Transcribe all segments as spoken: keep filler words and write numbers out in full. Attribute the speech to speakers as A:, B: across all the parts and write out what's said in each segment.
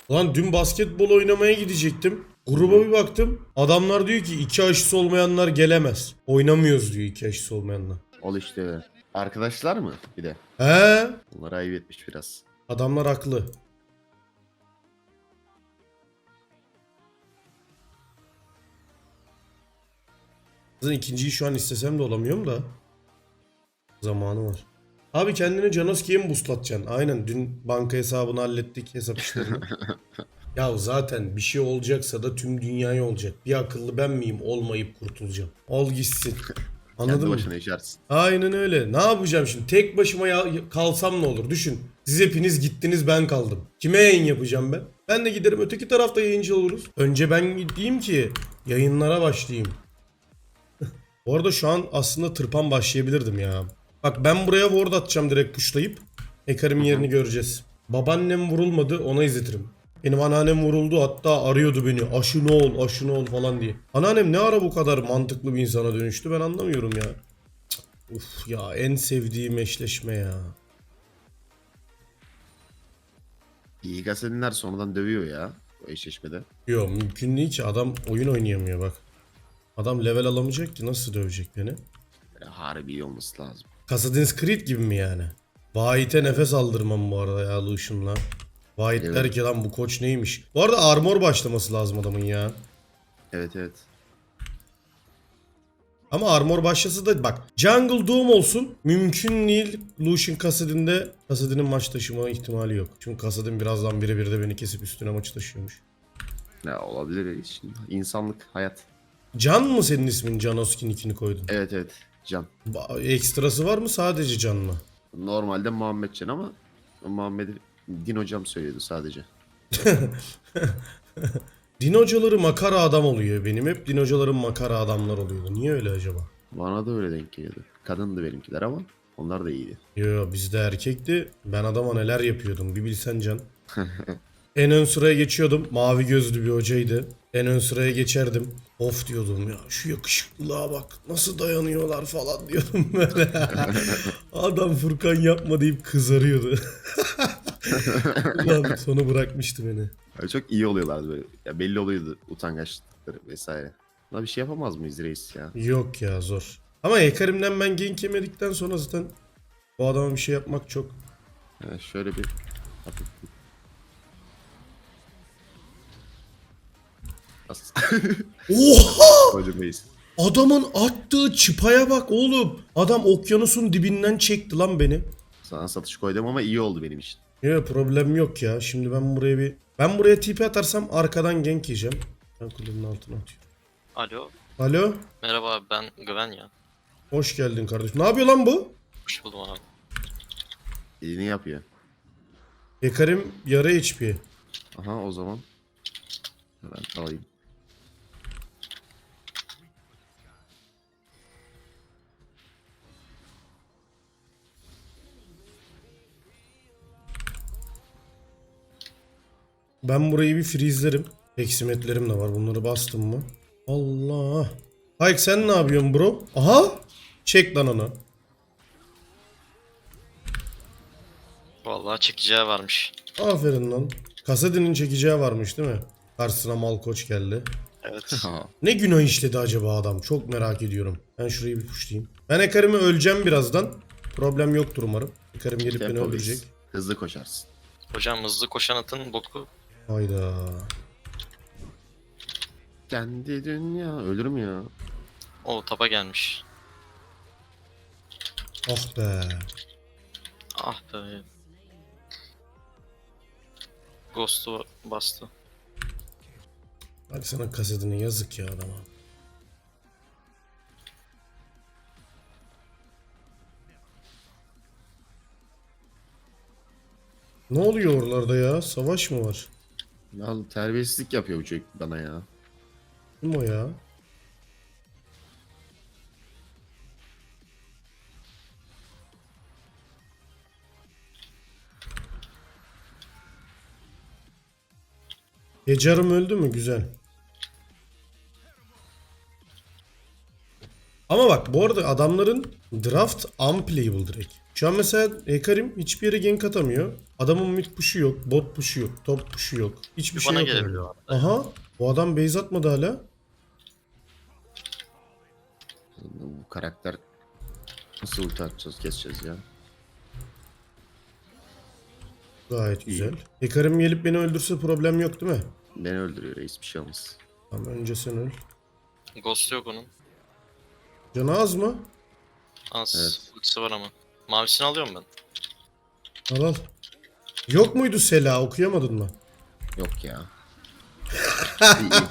A: Lan dün basketbol oynamaya gidecektim. Gruba bir baktım. Adamlar diyor ki iki aşısı olmayanlar gelemez. Oynamıyoruz diyor iki aşısı olmayanlar.
B: Ol işte. Arkadaşlar mı bir de?
A: He?
B: Bunlar ayıp etmiş biraz.
A: Adamlar haklı. Zaten ikinciyi şu an istesem de olamıyorum da. Zamanı var. Abi kendini Janoski'ye mi buslatacaksın? Aynen dün banka hesabını hallettik, hesap işlerini. Ya zaten bir şey olacaksa da tüm dünyaya olacak. Bir akıllı ben miyim olmayıp kurtulacağım. Ol gitsin. Anladın
B: Kendi
A: mı?
B: başına yaşarsın.
A: Aynen öyle. Ne yapacağım şimdi? Tek başıma ya- kalsam ne olur? Düşün. Siz hepiniz gittiniz, ben kaldım. Kime yayın yapacağım ben? Ben de giderim öteki tarafta yayıncı oluruz. Önce ben gideyim ki yayınlara başlayayım. Bu arada şu an aslında tırpan başlayabilirdim ya. Bak ben buraya ward atacağım direkt pushlayıp. Ekarim'in yerini göreceğiz. Babaannem vurulmadı, ona izletirim. Benim anneannem vuruldu, hatta arıyordu beni. Aşı ne ol, aşı ne ol falan diye. Anneannem ne ara bu kadar mantıklı bir insana dönüştü ben anlamıyorum ya. Cık, uf ya, en sevdiğim eşleşme ya.
B: İyi gazeteler sonradan dövüyor ya. O eşleşmede.
A: Yo, mümkün değil ki, adam oyun oynayamıyor bak. Adam level alamayacak ki, nasıl dövecek beni?
B: Böyle harbi iyi olması lazım.
A: Assassin's Creed gibi mi yani? Vahit'e nefes aldırmam bu arada ya Lucian'la. Vahit
B: Evet.
A: der ki lan bu koç neymiş? Bu arada armor başlaması lazım adamın ya.
B: Evet evet.
A: Ama armor başlasa da bak, Jungle Doom olsun mümkün değil. Lucian Kassadin'de Kassadin'in maç taşıma ihtimali yok. Çünkü Kassadin birazdan birebir de beni kesip üstüne maçı taşıyormuş.
B: Ne olabilir şimdi. İnsanlık, hayat.
A: Can mı senin ismin? Janoski'nin ikini koydun.
B: Evet evet. Can.
A: Ba- Ekstrası var mı, sadece Can mı?
B: Normalde Muhammed Can ama Muhammed'i Din hocam söylüyordu sadece.
A: Din hocaları makara adam oluyor benim. Hep din hocalarım makara adamlar oluyordu. Niye öyle acaba?
B: Bana da öyle denk geliyordu. Kadındı benimkiler ama onlar da iyiydi.
A: Yo yo, bizde erkekti. Ben adama neler yapıyordum bir bilsen Can. En ön sıraya geçiyordum. Mavi gözlü bir hocaydı. En ön sıraya geçerdim. Of diyordum ya, şu yakışıklılığa bak nasıl dayanıyorlar falan diyordum böyle. Adam Furkan yapma deyip kızarıyordu. Ulan sonu bırakmıştı beni.
B: Öyle çok iyi oluyorlardı böyle. Ya belli oluyordu utangaçlıkları vesaire. Buna bir şey yapamaz mıyız reis ya?
A: Yok ya, zor. Ama Ekarim'den ben gank yemedikten sonra zaten bu adama bir şey yapmak çok...
B: Yani şöyle bir hafif bir- As-
A: Oha!
B: Hocam reis.
A: Adamın attığı çıpaya bak oğlum. Adam okyanusun dibinden çekti lan beni.
B: Sana satış koydum ama iyi oldu benim için.
A: Yok, problem yok ya. Şimdi ben buraya bir... Ben buraya T P atarsam arkadan gank yiyeceğim. Ben kulenin altına atıyorum.
C: Alo.
A: Alo.
C: Merhaba abi, ben Güven ya.
A: Hoş geldin kardeşim. Ne yapıyor lan bu?
C: Hoş buldum abi.
B: Elini yapıyor.
A: Ekarim yarı H P.
B: Aha o zaman. Ben alayım.
A: Ben burayı bir freezelerim. Eksimetlerim de var. Bunları bastım mı? Allah. Hayk sen ne yapıyorsun bro? Aha. Çek lan onu.
C: Vallahi çekeceği varmış.
A: Aferin lan. Kasadin'in çekeceği varmış değil mi? Karşısına Malkoç geldi.
C: Evet.
B: Ha,
A: Ne günah işledi acaba adam? Çok merak ediyorum. Ben şurayı bir pushlayayım. Ben Ekarim'i öleceğim birazdan. Problem yoktur umarım. Ekarim gelip beni
B: tempo
A: öldürecek.
B: reis. Hızlı koşarsın.
C: Hocam hızlı koşan atın boku.
A: Hayda.
B: Kendi dünya. Ölürüm ya.
C: O tapa gelmiş.
A: Ah be.
C: Ah be. Ghost'u bastı.
A: Bak sana kasetine yazık ya adama. Ne oluyor oralarda ya? Savaş mı var?
B: Ya terbiyesizlik yapıyor bu çocuk bana ya.
A: Kim o ya? Gecarım öldü mü? Güzel. Ama bak bu arada adamların Draft unplayable direkt. Şu an mesela Ekarim hiçbir yere gank atamıyor. Adamın mid push'u yok, bot push'u yok, top push'u yok. Hiçbir
C: Bir
A: şey
C: bana
A: yok.
C: gelebiliyor
A: orada.
C: arada.
A: Aha. Bu adam base atmadı hala.
B: Bu karakter nasıl ulti atacağız, keseceğiz ya.
A: Gayet
B: İyi.
A: güzel. Ekarim gelip beni öldürse problem yok değil mi?
B: Beni öldürüyor reis, bir şey olmaz.
A: Tamam, önce sen öl.
C: Ghost yok onun.
A: Canı az mı?
C: Az.
B: Evet.
C: Ultisi var ama. Mavisini alıyorum ben.
A: Al al. Yok muydu Sela, okuyamadın mı?
B: Yok ya. İyi, iyi.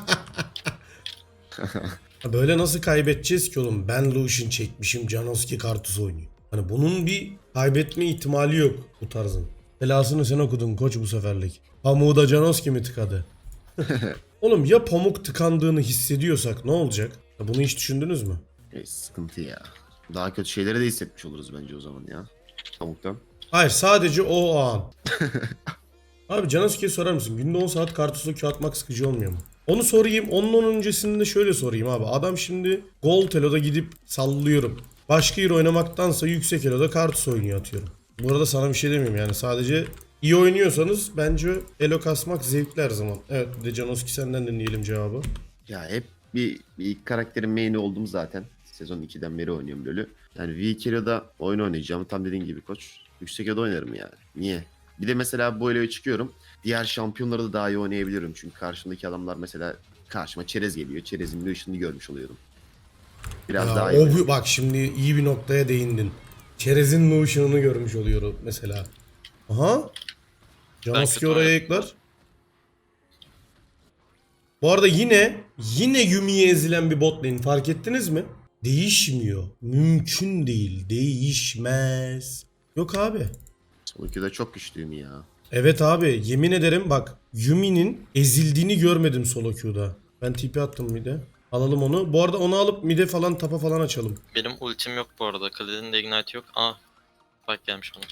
A: Ha, böyle nasıl kaybedeceğiz ki oğlum? Ben Lucian çekmişim, Janoski Kartus oynuyor. Hani bunun bir kaybetme ihtimali yok bu tarzın. Belasını sen okudun koç bu seferlik. Pamuğu da Janoski mi tıkadı? Oğlum ya pamuk tıkandığını hissediyorsak ne olacak? Ya bunu hiç düşündünüz mü?
B: Reis sıkıntı ya. Daha kötü şeyleri de hissetmiş oluruz bence o zaman ya. Pamuktan.
A: Hayır, sadece o an. Abi Janoski'ye sorar mısın? Günde on saat Kartus'la Q atmak sıkıcı olmuyor mu? Onu sorayım. Onun öncesinde şöyle sorayım abi. Adam şimdi Gold Elo'da gidip sallıyorum. Başka hero oynamaktansa yüksek Elo'da Kartus oynuyor atıyorum. Bu arada sana bir şey demiyorum yani. Sadece iyi oynuyorsanız bence Elo kasmak zevkli her zaman. Evet, bir de Janoski senden dinleyelim cevabı.
B: Ya hep bir, bir ilk karakterin main'i oldum zaten. Sezon ikiden beri oynuyorum LoL'ü. Yani V iki Elo'da oyun oynayacağım. Tam dediğin gibi koç. Yüksek Elo'da oynarım yani. Niye? Bir de mesela bu Elo'ya çıkıyorum. Diğer şampiyonları da daha iyi oynayabiliyorum. Çünkü karşımdaki adamlar mesela karşıma çerez geliyor. Çerezin bir ışını görmüş oluyorum. Biraz
A: Ya,
B: daha
A: o
B: iyi.
A: bu- bak şimdi iyi bir noktaya değindin. Çerez'in Notion'unu görmüş oluyorum mesela. Aha. Janoski
C: kötü
A: oraya
C: oynadım.
A: ekler. Bu arada yine yine Yumi'ye ezilen bir bot lane, fark ettiniz mi? Değişmiyor. Mümkün değil. Değişmez. Yok abi.
B: Son ikide çok güçlüyüm ya.
A: Evet abi, yemin ederim bak, Yumi'nin ezildiğini görmedim solo queue'da. Ben T P attım mid'e. Alalım onu. Bu arada onu alıp mid'e falan tapa falan açalım.
C: Benim ultim yok bu arada. Kale'nin de ignite yok. Aa. Bak gelmiş bana.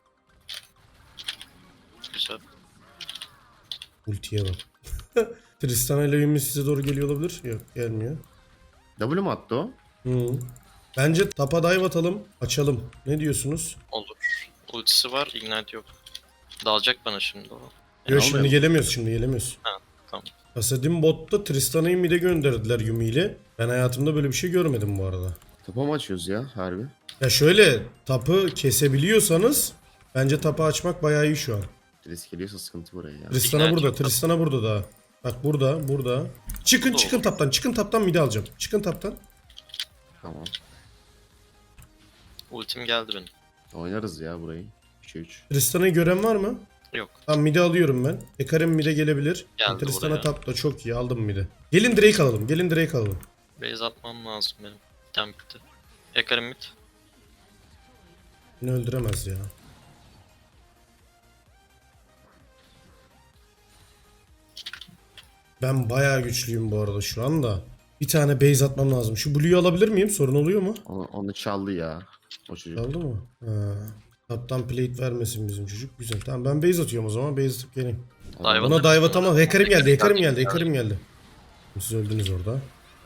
C: Güzel.
A: Ultiye bak. Tristana ile Yumi size doğru geliyor olabilir. Yok, gelmiyor.
B: W mu attı o?
A: Hı. Bence tapa dive atalım, açalım. Ne diyorsunuz?
C: Olur. Ultisi var. Ignite yok. Dalacak bana şimdi o.
A: Yok,
B: almayalım.
A: şimdi gelemiyoruz, şimdi gelemiyoruz.
C: Ha, tamam.
A: Asadin botta Tristana'yı mid'e gönderdiler Yumi ile. Ben hayatımda böyle bir şey görmedim bu arada.
B: Topa mı açıyoruz ya harbi?
A: Ya şöyle, tapı kesebiliyorsanız bence tapı açmak bayağı iyi şu an.
B: Risk geliyorsa sıkıntı buraya ya.
A: Tristana
C: İkna
A: burada,
C: yok.
A: Tristana burada da. Bak burada, burada. Çıkın,
C: Olur.
A: çıkın taptan, çıkın taptan mid'e alacağım. Çıkın taptan.
B: Tamam.
C: Ultim geldi benim.
B: Oynarız ya burayı. üçe üç.
A: Tristana'yı gören var mı?
C: Yok.
A: Tamam, mid'e alıyorum ben. Ekarim mid'e gelebilir.
C: Geldi
A: Tristana
C: buraya.
A: tapta çok iyi, aldım mid'e. Gelin Drake alalım, gelin Drake alalım.
C: Base atmam lazım benim. Tem bitti. Ekarim mid.
A: Beni öldüremez ya. Ben bayağı güçlüyüm bu arada şu anda. Bir tane base atmam lazım. Şu Blue'yu alabilir miyim? Sorun oluyor mu?
B: Onu, onu çaldı ya. O çocuk.
A: Aldı mı? Ha. Taptan plate vermesin bizim çocuk. Güzel. Tamam, ben base atıyorum o zaman. Base atıp geleyim.
C: Dive
A: Buna
C: atarız
A: dive
C: sonra.
A: atamam. Hekarim geldi. Hekarim geldi.
C: Geldi.
A: Hekarim geldi. Siz öldünüz orada.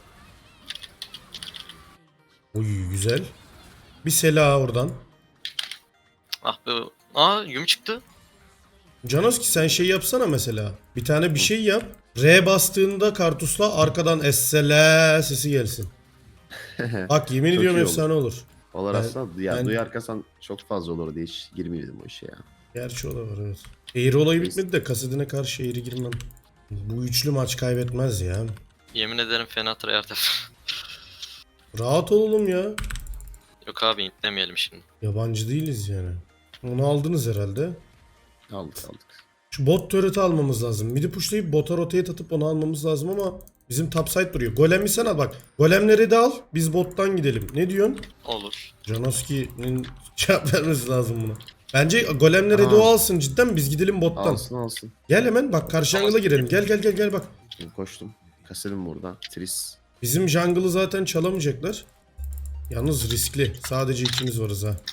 A: Uy, güzel. Bir Sela oradan.
C: Ah be. Aa Yumi çıktı.
A: Janoski sen şey yapsana mesela. Bir tane bir şey yap. R bastığında Kartus'la arkadan Essela sesi gelsin. Bak yemin
B: Çok
A: ediyorum
B: iyi
A: efsane olur.
B: Olur
A: Ben-
B: aslında ya
A: ben-
B: duyarkasan çok fazla olur diye hiç girmiyordum o işe ya.
A: Gerçi o da var, evet. Eğri olayı bitmedi de Kasadin'e karşı eğri girmem. Bu üçlü maç kaybetmez ya.
C: Yemin ederim fena tryhard yap.
A: Rahat olalım ya.
C: Yok abi intlemeyelim şimdi.
A: Yabancı değiliz yani. Onu aldınız herhalde.
B: Aldık aldık.
A: Şu bot turret'ı almamız lazım. Midi pushlayıp bota rotate atıp onu almamız lazım ama bizim topside duruyor. Golem'i sen al bak. Golemleri de al. Biz bottan gidelim. Ne diyorsun?
C: Olur.
A: Janoski'nin cevap vermesi lazım buna. Bence golemleri de
B: Aa.
A: o alsın cidden, biz gidelim bottan.
B: Alsın alsın.
A: Gel hemen bak, karşı jungle'a girelim. Gel gel gel gel bak.
B: Şimdi koştum. Kaselim burada. Tris.
A: Bizim jungle'ı zaten çalamayacaklar. Yalnız riskli. Sadece ikimiz varız ha.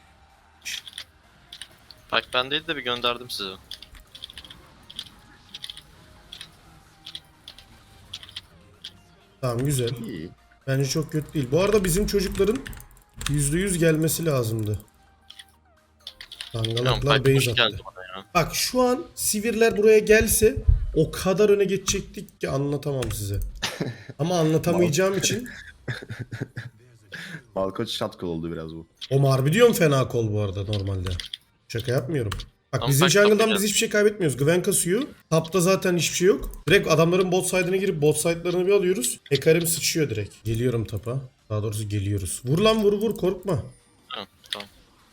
C: Bak ben değil de bir gönderdim size.
A: Tamam, güzel.
B: İyi.
A: Bence çok kötü değil. Bu arada bizim çocukların yüzde yüz gelmesi lazımdı.
C: Tamam,
A: Dangalaklar
C: Piper
A: base
C: hoş geldi
A: attı.
C: bana ya.
A: Bak şu an Sivirler buraya gelse o kadar öne geçecektik ki anlatamam size. Ama anlatamayacağım için
B: Malkoç şatkol oldu biraz bu.
A: o Marbi diyorum fena kol bu arada normalde. Şaka yapmıyorum. Bak
C: Ama
A: bizim
C: bak,
A: jungle'dan
C: tapacağız.
A: biz hiçbir şey kaybetmiyoruz. Gwen kasıyor. Tapta zaten hiçbir şey yok. Direkt adamların bot side'ına girip bot side'larını bir alıyoruz. Ekarim sıçıyor direkt. Geliyorum tapa. Daha doğrusu geliyoruz. Vur lan vur vur korkma.
C: Tamam, tamam.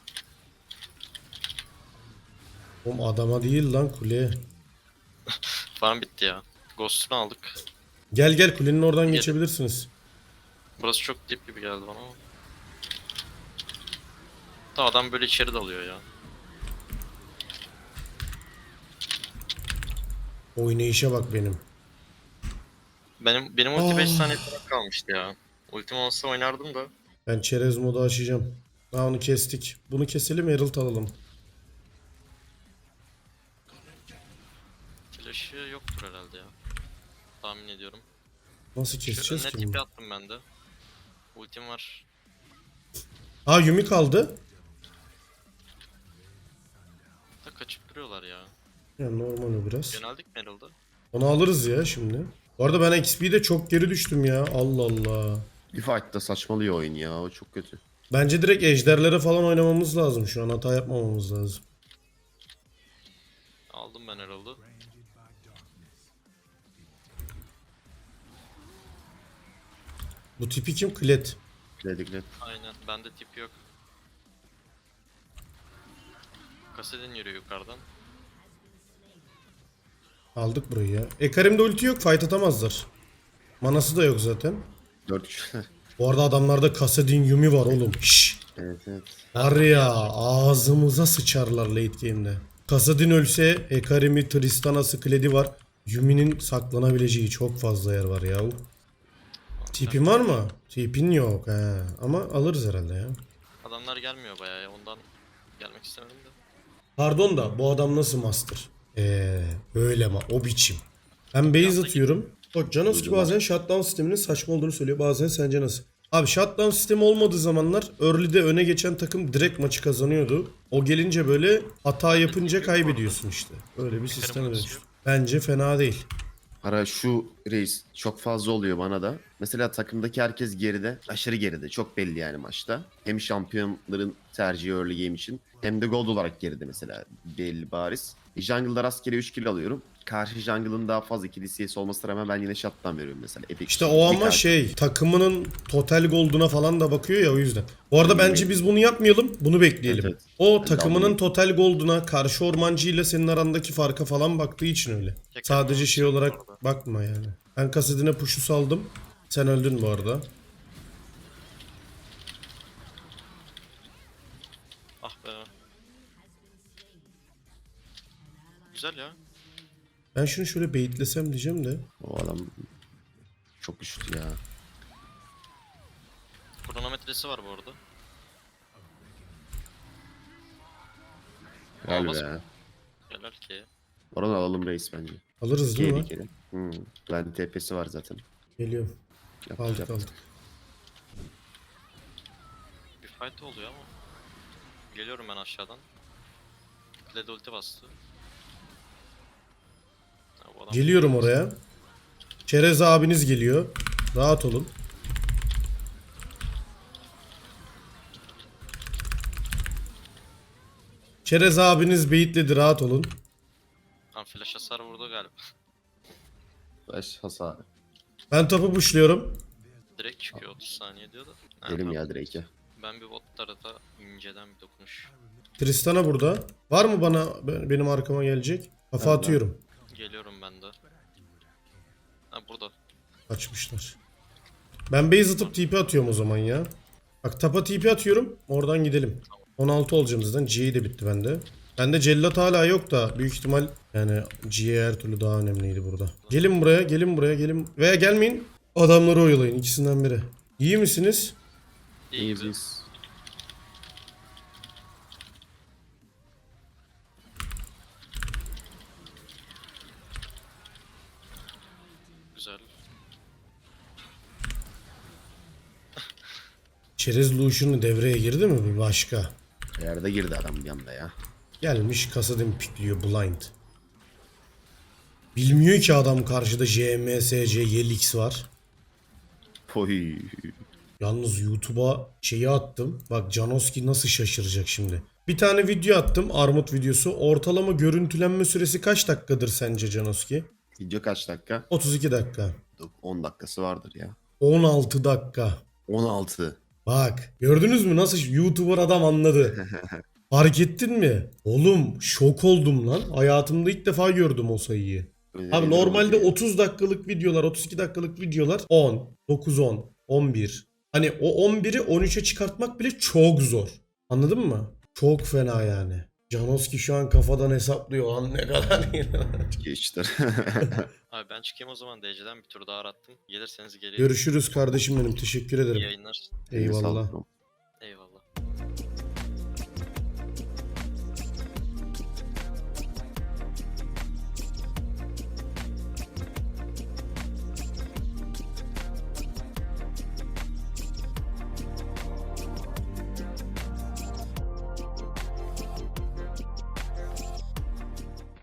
A: Oğlum adama değil lan kuleye.
C: Farm bitti ya. Ghost'unu aldık.
A: Gel gel kulenin oradan
C: Gel.
A: geçebilirsiniz.
C: Burası çok dip gibi geldi bana ama. Da adam böyle içeri dalıyor ya.
A: Oynayışa bak benim.
C: Benim benim ulti beş
A: Ah.
C: saniye falan kalmıştı ya. Ultim olsa oynardım da.
A: Ben çerez modu açacağım. Ha onu kestik. Bunu keselim Herald alalım.
C: Flash'ı yoktur herhalde ya. Tahmin ediyorum.
A: Nasıl
C: Şu
A: keseceğiz
C: önüne
A: ki bunu?
C: tipi attım ben de. Ultim var.
A: Ha Yumi kaldı.
C: Da kaçıp duruyorlar ya.
A: Ya normal o biraz.
C: Yöneldik mi Herald'a?
A: Onu alırız ya şimdi. Bu arada ben X P'de çok geri düştüm ya. Allah Allah.
B: Bir fight'ta saçmalıyor oyun ya. O çok kötü.
A: Bence direkt ejderlere falan oynamamız lazım şu an. Hata yapmamamız lazım.
C: Aldım ben Herald'ı.
A: Bu tipi kim? Klet.
B: Dedikle.
C: Aynen, bende tip yok. Kasedin yürüyor yukarıdan.
A: Aldık burayı ya. Ekarim'de ulti yok. Fight atamazlar. Manası da yok zaten.
B: dört kişi.
A: Bu arada adamlarda Kassadin Yumi var oğlum. Şşş.
B: Evet evet.
A: Var ya ağzımıza sıçarlar late game'de. Kassadin ölse Ekarim'i, Tristana'sı, Kled'i var. Yumi'nin saklanabileceği çok fazla yer var ya. Tipin var mı? Tipin yok he. Ama alırız herhalde ya.
C: Adamlar gelmiyor bayağı ya, ondan gelmek istemedim de.
A: Pardon da bu adam nasıl master? Eee öyle ama o biçim. Ben base atıyorum. Bak Canos bazen shutdown sisteminin saçma olduğunu söylüyor. Bazen sence nasıl? Abi shutdown sistemi olmadığı zamanlar early'de öne geçen takım direkt maçı kazanıyordu. O gelince böyle hata yapınca kaybediyorsun işte. Öyle bir sistem dönüştü. Bence fena değil.
B: Ara şu reis çok fazla oluyor bana da. Mesela takımdaki herkes geride. Aşırı geride. Çok belli yani maçta. Hem şampiyonların tercihi early game için hem de gold olarak geride mesela. Belli bariz. Jungle'da rastgele üç kill alıyorum. Karşı jungle'ın daha fazla kill C S olmasına rağmen ben yine shutdown veriyorum mesela. Epic
A: İşte
B: bir
A: o ama
B: karşı-
A: şey takımının total gold'una falan da bakıyor ya o yüzden. Bu arada bence biz bunu yapmayalım. Bunu bekleyelim.
B: Evet, evet.
A: O
B: Ben de
A: takımının
B: anlayayım.
A: total gold'una karşı ormancı ile senin arandaki farka falan baktığı için öyle.
C: Tek
A: Sadece
C: yapmamız
A: şey
C: yok
A: olarak
C: orada.
A: bakma yani. Ben kasetine push'u saldım. Sen öldün bu arada.
C: Ah be. Güzel ya.
A: Ben şunu şöyle baitlesem diyeceğim de.
B: O adam çok güçlü ya.
C: Kronometresi var bu arada.
B: Gel
C: Almaz
B: be.
C: mı? Helal ki.
B: Oradan alalım reis bence.
A: Alırız değil mi?
B: Geri geri. Hmm. Ben T P'si var zaten.
A: Geliyorum.
B: Yap,
A: Aldık
B: yap.
A: aldık.
C: Bir fight oluyor ama. Geliyorum ben aşağıdan. Kled ulti bastı. Ha, bu adam-
A: Geliyorum oraya. Çerez abiniz geliyor. Rahat olun. Çerez abiniz beyitledi rahat olun.
C: Tam flash hasar vurdu galiba.
B: Baş hasarı.
A: Ben topu pushluyorum.
C: Direkt çıkıyor otuz saniye diyor da. Ha,
B: Gelim
C: tamam.
B: ya Drake'e.
C: Ben bir bot tarafa inceden bir dokunuş.
A: Tristana burada. Var mı bana be- benim arkama gelecek? Kafa
B: Ben de.
A: atıyorum.
C: Geliyorum ben de. Ha burada.
A: Kaçmışlar. Ben base atıp T P atıyorum o zaman ya. Bak tapa T P atıyorum. Oradan gidelim. on altı olacağım zaten. G de bitti bende. Bende cellat hala yok da büyük ihtimal yani G her türlü daha önemliydi burada. Gelin buraya, gelin buraya, gelin. Veya gelmeyin. Adamları oyalayın ikisinden biri. İyi misiniz?
C: İyi
B: İyiyiz
C: güzel.
B: biz.
C: Güzel.
A: Çerez Lucian'ı devreye girdi mi bir başka?
B: Yerde girdi adam bir anda ya.
A: Gelmiş Kasadin pikliyor blind. Bilmiyor ki adam karşıda J M S C Yelix var.
B: Oy.
A: Yalnız YouTube'a şeyi attım. Bak Janoski nasıl şaşıracak şimdi. Bir tane video attım. Armut videosu. Ortalama görüntülenme süresi kaç dakikadır sence Janoski?
B: Video kaç dakika?
A: otuz iki dakika.
B: on dakikası vardır ya.
A: on altı dakika.
B: on altı.
A: Bak gördünüz mü nasıl YouTuber adam anladı. Fark ettin mi? Oğlum şok oldum lan. Hayatımda ilk defa gördüm o sayıyı. Abi normalde otuz dakikalık videolar, otuz iki dakikalık videolar on, dokuz on, on bir. Hani o on biri on üçe çıkartmak bile çok zor. Anladın mı? Çok fena yani. Janoski şu an kafadan hesaplıyor lan ne kadar.
B: Geçtir.
C: Abi ben çıkayım o zaman D C'den bir tur daha arattım. Gelirseniz geliyorum.
A: Görüşürüz kardeşim benim. Teşekkür
C: İyi
A: ederim.
C: yayınlar.
A: Eyvallah.
B: Sağ ol.
C: Eyvallah.